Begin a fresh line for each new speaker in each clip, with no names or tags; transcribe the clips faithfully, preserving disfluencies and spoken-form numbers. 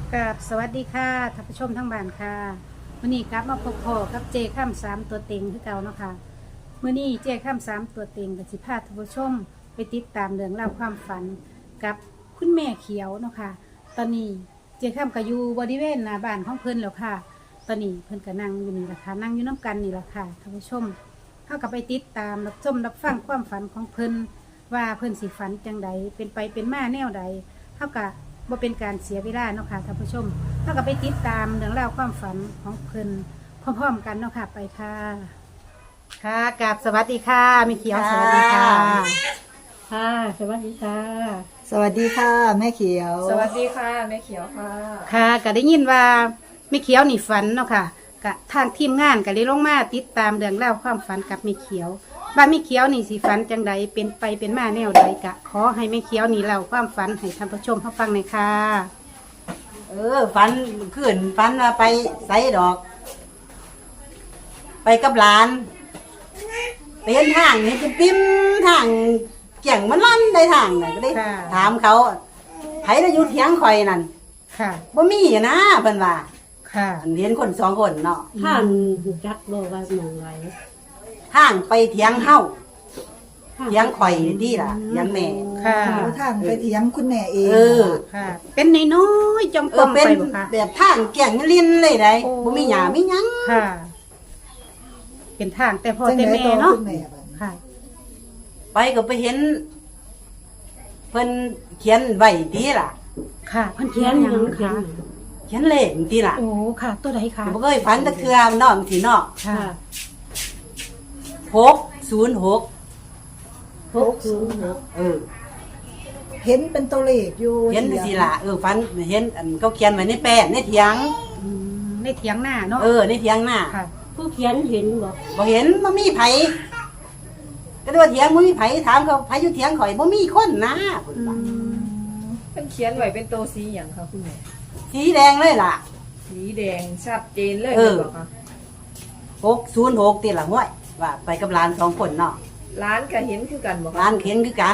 กับสวัสดีค่ะท่านผู้ชมทั้งบ้านค่ะวันนี้กลับมาพบพ่อกับเจข้ามสามตัวเต็งคือเก่าเนาะค่ะเมื่อนี้เจข้ามสามตัวเต็งกับสิพาท่านผู้ชมไปติดตามเรื่องราวความฝันกับคุณแม่เขียวเนาะค่ะตอนนี้เจข้ามก็อยู่บริเวณหน้าบ้านของเพิ่นแล้วค่ะ ตอนนี้เพิ่นก็นั่งอยู่นี่แหละค่ะนั่งอยู่น้ำกันนี่แหละค่ะท่านผู้ชมเข้ากับไปติดตามรับชมรับฟังความฝันของเพิ่นว่าเพิ่นสิฝันจังใดเป็นไปเป็นมาแนวใดเข้ากับว่าเป็นการเสียเวลาเนาะค่ะท่านผู้ชมเท่ากับไปติดตามเรื่องราวความฝันของเพิ่นพร้อมๆกันเนาะค่ะไปค่ะค่ะกราบสวัสดีค่ะมีเขียวสวัสดีค่ะค่ะสวัสดีค่ะ
สวัสดีค่ะแม่เขียว
สวัสดีค่ะแม่เขียวค่ะ
ค่ะก็ได้ยินว่ามีเขียวนี่ฝันเนาะค่ะกะทางทีมงานก็เลยลงมาติดตามเรื่องราวความฝันกับมีเขียวว่ามีเขียวนี่สิฝันจังใดเป็นไปเป็นมาแนวใดกะขอให้มีเขียวนี่เล่าความฝันให้ท่านผู้ชมเขาฟังหน่อยค่ะ
เออฝันขึ้นฝันว่าไปใส่ดอก ไปกับหลานไปเห็นทางเห็นเป็นปิ้มทางเกี่ยงมันลั่นได้ทางน่ะก็ได้ถามเขาไผน่ะอยู่เถียงข่อยนั่น
ค่ะ
บ่มีอะนะเพิ่นว่า
ค่ะ
อันเห็นคนสองคนเนาะ
ท่านจักบอกว่าหมองไร
ทางไปเถียงเฮาเถียงข่อยนี่ล่ะเถียงแม่
ค่ะ
เอาทางไปเถียงคุณแม่เอง
เออ
ค่ะ เป็นน้อยๆจอม
เอ
ปอ
อ
ม
เป็น
ไปบ่ค่ะ
แบบทางเกี่ยงลิ้นเลยได้
โอ้
บ่มีหญ้ามีหยัง
ค่ะ เป็นทางแต่พ่อ
จัง
แต่
ได๋
แม่
ต่อ
เนาะ
คุณแม่บัดนี้
ค่ะ
ไปก็ไปเห็นเพิ่นเขียนไว้ดีล่ะ
ค่ะเพิ่นเขี
เขี
ย
ย
น
น
ห
ห
ยั
ยัง ง
ค่ะ
เขียน
เขียนเลขดีล่ะ
โอ้ค่ะ ตัวใดค่ะ
บ่เคยฝันตะเทือเนาะสิเนาะ
ค่ะ
หกศูนย์หก
หกศูนย์หก
เออ
เห็นเป็นตัวเลขอยู่
เห็นสิล่ะเออฝันเห็นอันเขาเขียนไว้ในแป้นในเถียง
อืมในเถียงหน้าเนาะ
เออในเถียงหน้า
ค่ะ
ผู้เขียนเห็นบอก
บ่เห็นบ่มีไผก็เลยว่าเถียงบ่มีไผถามเขาไผอยู่เถียงข่อยบ่มีคนนะเพิ่นว่า
เป็นเขียนไว้เป็นตัวสีอย่างค่ะคุณแม่
สีแดงเลยล่ะ
สีแดงชัดเจนเลย
เออ
บอกค่ะ
หกศูนย์หกติล่ะห้วยว่าไปกับหลานสองคนเนาะ
ร้านก็เห็นคือกันบอก
หลานเข็นคือกัน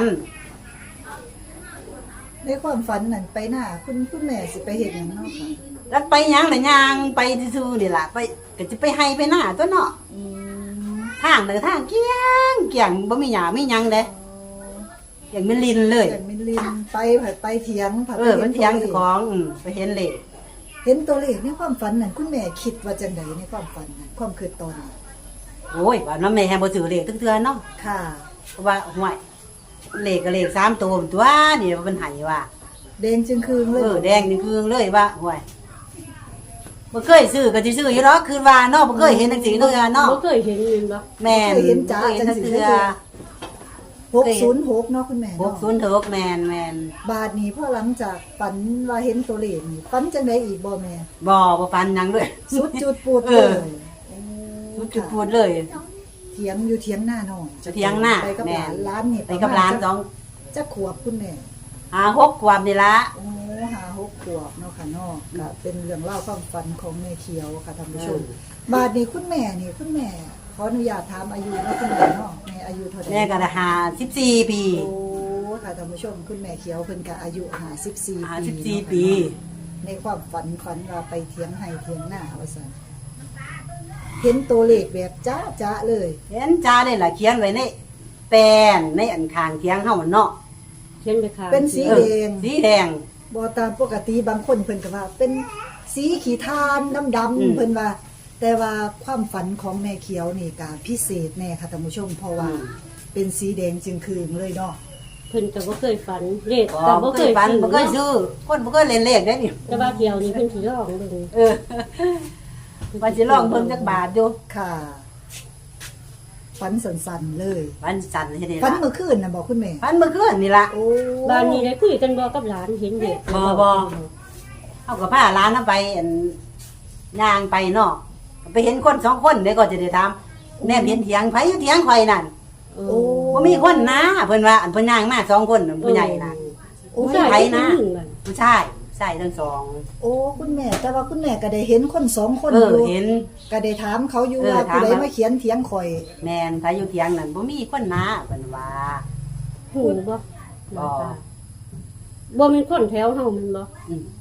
ในความฝันนั่นไปหน้าคุณคุณแม่สิไปเฮ็ดหยังเนาะค่ะ
แล้วไปหยังล่ะย่างไปซื่อๆนี่ล่ะไปก็จะไปให้ไปหน้าตัวเนาะ
อืม
ทางเด้อทางเกี้ยงเกี้ยงบ่มีหญ้ามีหยังเด้อย่างมันลินเลย
แต่มินลินไปผัดไปเถียงผัด
เออมันเถียงเจ้าของอืมไปเห็นเลข
เห็นตัวเลขในความฝันนั่นคุณแม่คิดว่าจังไดในความฝันนั่นความคิดตอนนั้น
โอ้ยว่าน้ำแม่แฮบ่ซื้อเลขทุกเทื่อเนาะ
ค่ะ
เพราะว่าห่วยเลขก็เลขสามตัวตัวนี่มันให้ว่า
แดงจึงคืนเล
เอย อแดงนี่คือเลยว่าห่วยบ่เคยซื้อก็สิซื้ออยู่ดอกคือว่าเนาะบ่เคยเห็นจังซี่เทื่อเนาะ
บ่เคยเห็นเลยบอก
แม่น
เคยเห็นจ้า
บ่เคย
จั
เห็น
ง
จัง
สิ
เทื่อ
หกศูนย์หกเนาะคุณแม่
ห
เนาะ
กศูนย์หกแม่นแม่น
บาทนี้พอหลังจากฝันว่าเห็นตัวเลขนี่ฝันจังไดอีกบ่แม่
บ่บ่ฟันหยังด้วย
สุดจุดปูด
เอ
เล
อ
ยโอ้
จุดพูดเลย
เถียงอยู่เถียงหน้าหน่อย
เถียงหน้า
ไปกับหลาน
แม่
ร้านนี่
ไปกับหลานสอง
จะขวบคุณแม่
หาหกความนี่ละ
โอ้หาหกขวบเนาะค่ะเนาะก็เป็นเรื่องเล่าวความฝันของแม่เขียวค่ะท่านผู้ชมบาดนี้คุณแม่นี่คุณแม่ขออนุญาตถามอายุเนาะคุณแม่เนาะแม่อายุเท่าไหร่
แม่ก็ได้หาสิบสี่ปี
โอ้ค่ะท่านผู้ชมคุณแม่เขียวเพิ่นก็อายุห้าสิบสี่
ห้า
ปี
สิบสี่
เนาะค่ะ
ปี
ในความฝันฝันว่าไปเถียงให้เถียงหน้าว่าซั่นเห็นตัวเลขแบบจ้าจ้าเลย
เห็นจ้าเลยล่ะเขียนไว้ในแปนในอันคางเทียงเฮาเนาะ
เขียนไปค่ะ
เป็นสี
เอ
แด
อง สีแดง
บอตามปกติบางคนเพิ่นก็ว่า เป็นสีขีทานดำด
อืม
ำเพิ่นว่า แต่ว่าความฝันของแม่เขียวนี่ก็พิเศษแน่ค่ะท่านผู้ชมเพราะว่าเป็นสีแดงจึงคืนเลยเนาะ
เพิ่นก็บ่เคยฝันเลข
บ่
แต่บ่
บ่
เค
เค
ย
ยฝัน
ซื้อ
บ่เคยซื้อคนบ่เคยเล่นเลขได้นี่
แต่ว่าเที่ยวนี้เพิ่นสิร้องเบิ่ง
เออว่าสิลองเบิ่งจักบาทอยู่
ค่ะฝันสันๆเลย
ฝันสั่นเฮ็ดได้
ฝัน
ล่ะ
เมื่อคืนน่ะบอกคุณแม่
ฝันเมื่อคืนนี่ล่ะ
โอ้
บ้านนี้ได้คุยกันบ่กับหลานเห็นเด็ก
บ่บ่ เฮาก็พาหลานน่ะไปอันย่างไปเนาะไปเห็นคนสองคนเด้ก็จะได้ถามแม่เห็นเถียงไผอยู่เถียงข่อยนั่น
โอ้
โอ้
บ่มีคนนะเพิ่นว่าอันเพิ่นย่างมาสองคนน่ะผู้ใหญ่น่ะ
โอ้
ผู้ชาย
ไผนะ
ผู้หญิงนั่น
ผู้ชายชายทั้งสอง
โอ้คุณแม่ แต่ว่าคุณแม่ก็ได้เห็นคนสองคน
เอ
อ
อยู่ เห็น
ก็ได้ถามเขาอยู่
เออ
ว่า
ถาม
ผู้ใด
ว่า
มาเขียนเถียงข่อย
แม่นไผอยู่เถียงนั่นบ่มีคนนะเพิ่นว่า
หูบ่
บ่
บ่แม่นคนแถวเฮาแมันบ่
อืม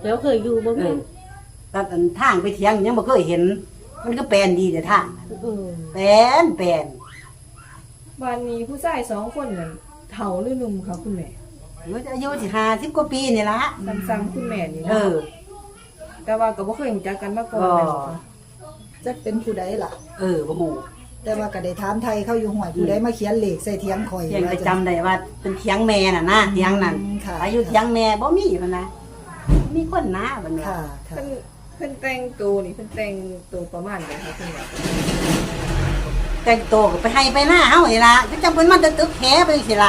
แล้วเคยอยู่บ่
เอ
แม่
อตัดอันทางไปเถียงยังบ่เคยเห็น มันก็แปลนดีแต่ทาง
เออ
แปลนแปลน
บ้านนี้ผู้ชายสองคนนั่นเฒ่าหรือหนุ่มคะคุณแม่
อายุสิห้าสิบกว่าปีนี่ละ
ซ้ำๆคุณแม่นี่
เอ
เนาะ
อ
แต่ว่าก็บ่เคยรู้จักกันมาก่อน
อ๋อ
แม่นบ่คะ
จักเป็นผู้ใดล่ะ
เออบ่ฮู้
แต่ว่าก็ได้ถามไทยเขาอยู่ห่วยผู้ใดมาเขียนเลขใส่เถียงข่อย
เพียงแต่จำได้ว่าเป็นเถียงแม่น่ะนะเถียงนั่น
อืมค่ะ
อายุเถียงแม่บ่มีพุ่นนะมีคนนะบัดนี้
ค่ะค่ะ
เพิ่นเพิ่นแต่งตัวนี่เพิ่นแต่งตัวประมาณใดคะคุณแม่
แต่งตัวก็ไปให้ไปหน้าเฮานี่ล่ะก็จังเพิ่นมาตึกตึกแหไปจังซี่ล่ะ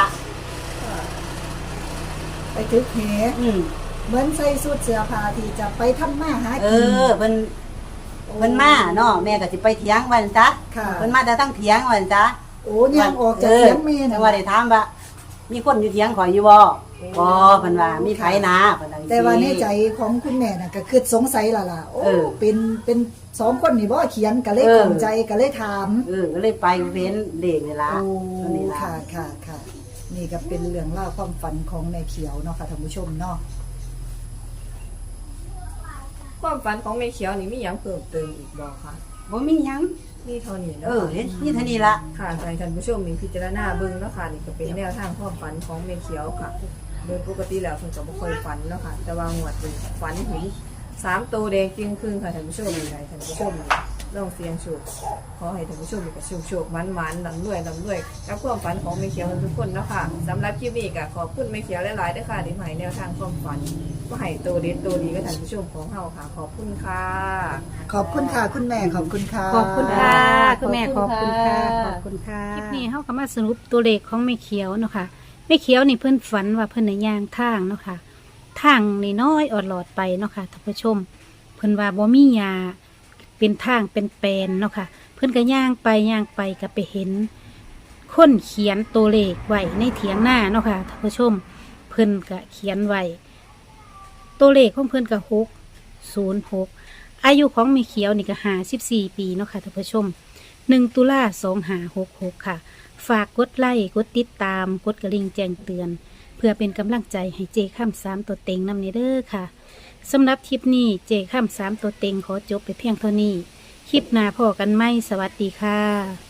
ไปทึกแห
อืม
เหมือนใส่สูทเสื้อผ้าที่จะไปทำมาหา
เอ
กิน
อเพิ่นเพิ่นมาเนาะแม่ก็สิไปเถียงว่าจังจ๊ะ
ค่ะ
เพิ่นมาแต่ทั้งเถียงว่าจังจ๊ะ
โอ้ย่างออกจากเถียงแม่
แต่
น่ะ
ว่าได้ถามว่ามีคนอยู่เถียงข่อยอยู่บ่บ่เพิ่นว่ามีไผนะเพิ่นว่าจังซี่
แต่ว่าในใจของคุณแม่น่ะก็คือสงสัยล่ะล่ะโอ้
เออ
เป็นเป็นสองคนนี่บ่เขียนก็เลย
เออ
ข้องใจก็เลยถาม
เออก็เลยไปเว้นเด็กนี่ล่ะ
โอ้
ตัวนี้ล่ะ
ค่ะค่ะค่ะนี่ก็เป็นเรื่องเล่าวความฝันของนายเขียวเนาะค่ะท่านผู้ชมเนาะ
ความฝันของแม่เขียวนี่มีหยังเพิ่มเติมอีกบ่คะ
บ่มีหยัง
นี่เท่านี้
เอ
เนาะ
อเฮ็ดนี่เท่านี้ล่ะ
ค่ะให้ท่านผู้ชมมีพิจารณาเบิ่งเนาะค่ะนี่ก็เป็นแนวทางความฝันของแม่เขียวค่ะ โดยปกติแล้วเพิ่นก็บ่ค่อยฝันเนาะค่ะ แต่ว่างวดนี้ฝันเห็นสามตัวแดงจริงครึ่งค่ะท่านผู้ชมนี่ให้ท่านผู้ชมลองเสี่ยงโชคขอให้ท่านผู้ชมมีแต่โชคๆมันๆลำรวยลำรวยกับความฝันของแม่เขียวทุกคนเนาะค่ะสำหรับคลิปนี้ก็ขอบคุณแม่เขียวหลายๆด้วยค่ะที่มาให้แนวทางความฝันก็ให้ตัวเด็ดตัวดีกับท่านผู้ชมของเฮาค่ะ ขอบคุณค่ะ
ขอบคุณค่ะคุณแม่ขอบคุณค่ะ
ขอบคุณค่ะคุณแม่ข
ข
อ
อ
บบ
คุ
คุณ
ณ
ค่ะ
ค่ะ
ขอบคุณค่ะคลิปนี้เฮาก็มาสรุปตัวเลขของแม่เขียวเนาะค่ะแม่เขียวนี่เพิ่นฝันว่าเพิ่นน่ะย่างทางเนาะค่ะทางนี่น้อยออดหลอดไปเนาะค่ะท่านผู้ชม เพิ่นว่าบ่มีหญ้าเป็นทางเป็นแปลนเนาะค่ะ เพิ่นก็ย่างไปย่างไปก็ไปเห็น คนเขียนตัวเลขไว้ในเถียงหน้าเนาะค่ะท่านผู้ชม เพิ่นก็เขียนไว้ตัวเลขของเพิ่นก็หกศูนย์หกอายุของแม่เขียวนี่ก็ห้าสิบสี่ปีเนาะค่ะท่านผู้ชมหนึ่งตุลาสองห้าหกหกค่ะ ฝากกดไลค์กดติดตามกดกระลิ่งแจ้งเตือน เพื่อเป็นกำลังใจให้เจข้ามสามตัวเต็งนำเนเด้อค่ะสำหรับคลิปนี้เจข้ามสามตัวเต็งขอจบไปเพียงเท่านี้ คลิปหน้าพอกันไหมสวัสดีค่ะ